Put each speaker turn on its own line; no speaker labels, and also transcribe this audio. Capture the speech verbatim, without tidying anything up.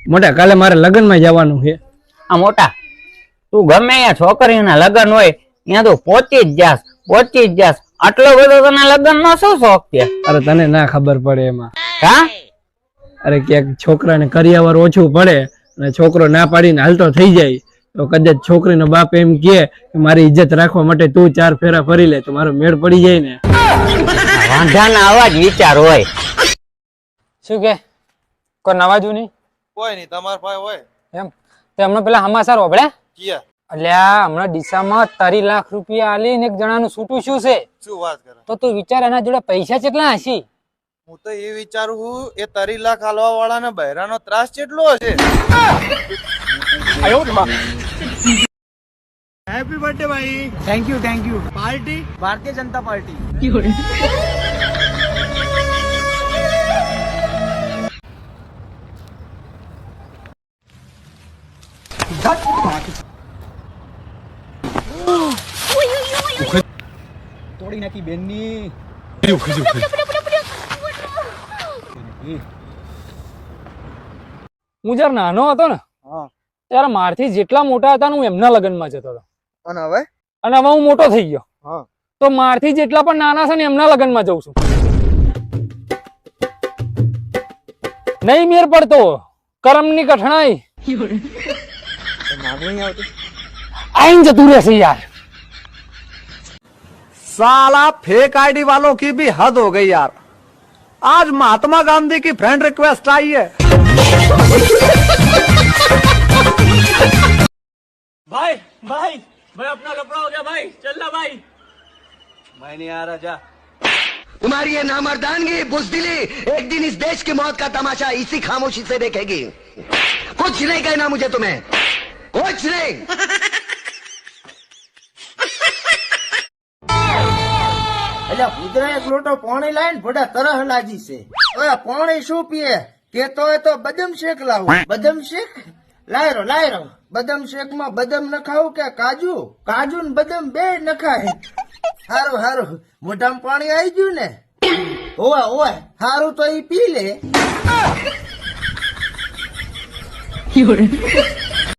મોટા કાલે મારે લગ્ન માં જવાનું છે.
આ મોટા તું ગમે અહીંયા છોકરીના લગ્ન હોય ત્યાં તું પહોંચી જ જાસ પહોંચી જ જાસ આટલો બધો તને લગ્ન નો શું શોખ છે?
અરે તને ના ખબર પડે એમાં.
હા
અરે ક્યાંક છોકરાને કરિયાવર ઓછું પડે અને છોકરો ના પાડીને હાલતો થઈ જાય તો કદાચ છોકરીનો બાપ એમ કે મારી ઇજ્જત રાખવા માટે તું ચાર ફેરા ફરી લે તો મારો મેળ પડી જાય ને.
વાંધાના આવા જ વિચાર હોય.
શું કે કોઈ નવાજુ નહીં?
કોઈ નહીં, તમાર ભાઈ હોય
એમ તે હમણાં પેલા હમાસાર હોબળ્યા
કિયા.
એટલે આ હમણાં ડીસામાં તારી લાખ રૂપિયા આલીને એક જણાનું છૂટું શું છે
શું વાત કરે?
તો તું વિચાર એના જોડે પૈસા કેટલા હશે?
હું તો એ વિચારું છું એ તરી લાખ હાલવા વાળા ને બહેરાનો ત્રાસ કેટલો હશે. હેપી બર્થડે ભાઈ.
Thank you thank you party Bharatiya Janata party तोड़ी नाखी बेननी
હું જયારે નાનો હતો ને ત્યારે મારથી જેટલા મોટા હતા ને હું એમના લગ્નમાં જતો હતો
અને હવે
અને હવે હું મોટો થઈ ગયો
હા
તો મારથી જેટલા પણ નાના છે ને એમના લગ્નમાં જઉં છું. નહીં મેર પડતો કરમની કઠણાઈ આઈને જતું રહેશે યાર.
साला फेक आईडी वालों की भी हद हो गई यार. आज महात्मा गांधी की फ्रेंड रिक्वेस्ट आई है. भाई भाई भाई अपना कपड़ा हो गया भाई, चलना भाई. मैं नहीं आ रहा जा.
तुम्हारी ये नामर्दानगी बुज़दिली एक दिन इस देश की मौत का तमाशा इसी खामोशी से देखेगी. कुछ नहीं कहना मुझे तुम्हें, कुछ नहीं.
એટલે કુતરા એક લોટો પાણી લાવીને ભડા તરહ લાગી છે. ઓય પાણી શું પીએ? કેતો હોય તો બદામ શેક લાવો. બદામ શેક લાયરો લાયરો. બદામ શેક માં બદામ નખાવું કે કાજુ? કાજુ ને બદામ બે નખાય. હારું હારું મોઢામાં પાણી આવી ગયું ને? ઓય ઓય હારું તો ઈ પી લે.